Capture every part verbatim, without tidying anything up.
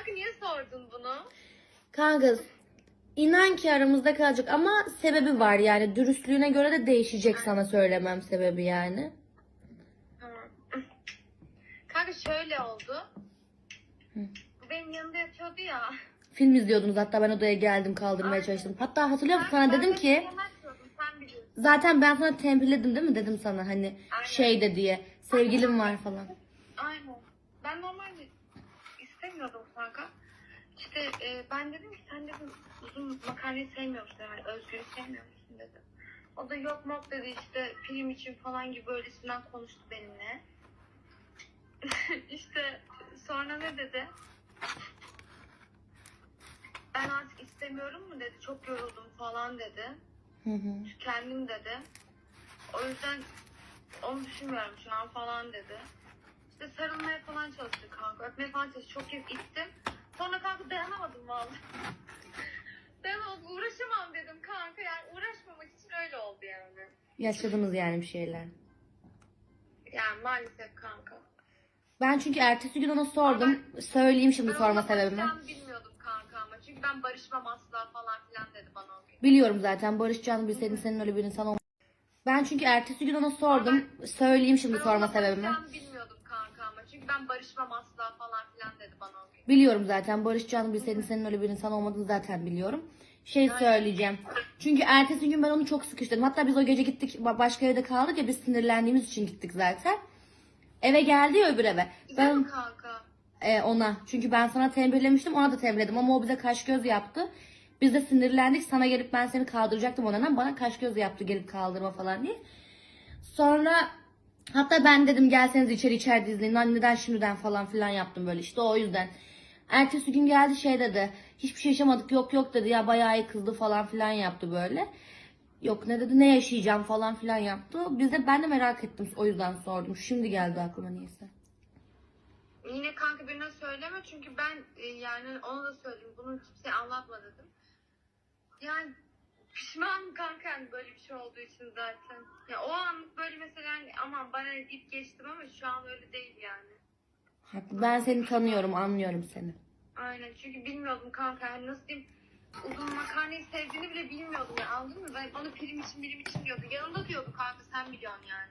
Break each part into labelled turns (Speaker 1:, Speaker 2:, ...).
Speaker 1: Kanka niye sordun bunu?
Speaker 2: Kanka inan ki aramızda kalacak ama sebebi var yani. Dürüstlüğüne göre de değişecek sana söylemem sebebi yani.
Speaker 1: Tamam. Kanka şöyle oldu.
Speaker 2: Hı.
Speaker 1: Bu benim yanımda yatıyordu ya.
Speaker 2: Film izliyordunuz hatta ben odaya geldim kaldırmaya
Speaker 1: Aynen.
Speaker 2: çalıştım. Hatta hatırlıyor musun
Speaker 1: Ben-
Speaker 2: sana
Speaker 1: ben
Speaker 2: dedim
Speaker 1: de
Speaker 2: ki
Speaker 1: yemek yiyordum, sen biliyorsun.
Speaker 2: zaten ben sana tembihledim değil mi dedim sana hani
Speaker 1: Aynen.
Speaker 2: şey de diye sevgilim var falan.
Speaker 1: Aynen. Ben normalde istemiyordum kanka. İşte e, ben dedim ki sen dedim uzun makarnayı sevmiyor musun yani Özgür'ü sevmiyor musun dedim. O da yok mok dedi işte film için falan gibi öylesinden konuştu benimle. İşte sonra ne dedi? Ben artık istemiyorum mu dedi. Çok yoruldum falan dedi.
Speaker 2: Hı hı.
Speaker 1: Kendim dedi. O yüzden onu düşünmüyorum şu an falan dedi. İşte sarılmaya falan çalıştı kanka. Öpmeye falan çalıştı. Çok kez ittim. Sonra kanka dayanamadım vallahi. Dayanamadım. Uğraşamam dedim kanka. Yani uğraşmamak için öyle oldu yani.
Speaker 2: Yaşadınız yani bir şeyler.
Speaker 1: Yani maalesef kanka.
Speaker 2: Ben çünkü ertesi gün ona sordum. Söyleyeyim şimdi
Speaker 1: Ben
Speaker 2: sorma
Speaker 1: onunla
Speaker 2: sebebimi.
Speaker 1: barışacağımı bilmiyordum kanka ama. Çünkü ben barışmam asla falan filan dedi bana o gün.
Speaker 2: Biliyorum zaten barışacağını bilseydin senin öyle bir insan olmaz. Ben çünkü ertesi gün ona sordum. Söyleyeyim şimdi
Speaker 1: Ben
Speaker 2: sorma
Speaker 1: onunla
Speaker 2: sebebimi.
Speaker 1: barışacağımı bilmiyordum kanka ama. Çünkü ben barışmam asla falan filan dedi bana o gün.
Speaker 2: Biliyorum zaten barışacağını bilseydin senin öyle bir insan olmadığını zaten biliyorum. Şey söyleyeceğim. Çünkü ertesi gün ben onu çok sıkıştırdım. Hatta biz o gece gittik başka evde kaldık ya biz sinirlendiğimiz için gittik zaten. Eve geldi ya öbür eve.
Speaker 1: Güzel mi
Speaker 2: Ben
Speaker 1: kanka?
Speaker 2: e, ona çünkü ben sana tembihlemiştim ona da tembihledim ama o bize kaş göz yaptı. Biz de sinirlendik sana gelip ben seni kaldıracaktım ona bana kaş göz yaptı gelip kaldırma falan diye. Sonra hatta ben dedim gelseniz içeri içeride izleyin. Lan neden şimdiden falan filan yaptım böyle işte o yüzden. Ertesi gün geldi şey dedi. Hiçbir şey yaşamadık yok yok dedi ya bayağı iyi kızdı falan filan yaptı böyle. Yok ne dedi ne yaşayacağım falan filan yaptı. Biz de ben de merak ettim o yüzden sordum. Şimdi geldi aklıma niyeyse.
Speaker 1: Yine kanka birine söyleme çünkü ben e, yani onu da söyleyeyim. Bunu kimseye anlatma dedim. Yani pişmanım kanka yani böyle bir şey olduğu için zaten. Ya o anlık böyle mesela hani aman bana deyip geçtim ama şu an öyle değil yani.
Speaker 2: Haklı. Ben seni tanıyorum anlıyorum seni.
Speaker 1: Aynen çünkü bilmiyordum kanka yani nasıl diyeyim uzun makarnayı sevdiğini bile bilmiyordum ya anladın mı? Ben bana prim için birim için diyordu. Yanımda diyordu kanka sen biliyorsun yani.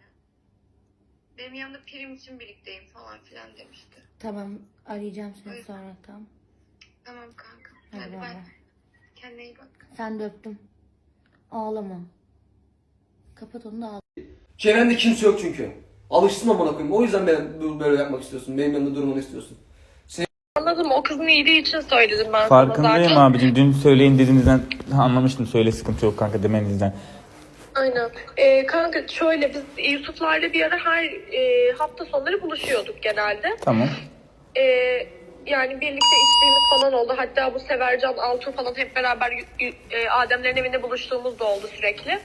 Speaker 1: Benim yanımda prim için birlikteyim falan filan demişti.
Speaker 2: Tamam arayacağım seni
Speaker 1: Evet.
Speaker 2: sonra tamam.
Speaker 1: Tamam kanka.
Speaker 2: Hadi
Speaker 1: Hadi
Speaker 2: bay
Speaker 1: bay.
Speaker 2: bay.
Speaker 1: Kendine iyi bak.
Speaker 2: Sen de öptüm. Ağlama. Kapat onu da ağlama.
Speaker 3: Çevrende kimse yok çünkü. Alışsın amına koyayım. O yüzden ben böyle yapmak istiyorsun. Benim yanımda durmanı istiyorsun.
Speaker 1: Anladım o kızın iyiliği için söyledim ben
Speaker 4: Farkındayım
Speaker 1: sana zaten.
Speaker 4: abicim. Dün söyleyin dediğinizden anlamıştım. Söyle sıkıntı yok kanka demenizden.
Speaker 1: Aynen. Ee, kanka şöyle biz Yusuflarla bir ara her e, hafta sonları buluşuyorduk genelde.
Speaker 4: Tamam.
Speaker 1: Ee, yani birlikte içtiğimiz falan oldu. Hatta bu Severcan, Altuğ falan hep beraber y- y- e, Ademlerin evinde buluştuğumuz da oldu sürekli.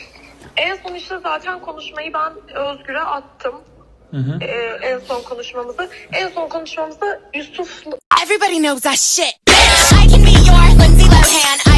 Speaker 1: En son işte zaten konuşmayı ben Özgür'e attım.
Speaker 4: Hı hı.
Speaker 1: Ee, en son konuşmamızı. En son konuşmamızda Yusuf
Speaker 5: Everybody knows that shit. I can be your Lindsay Lohan.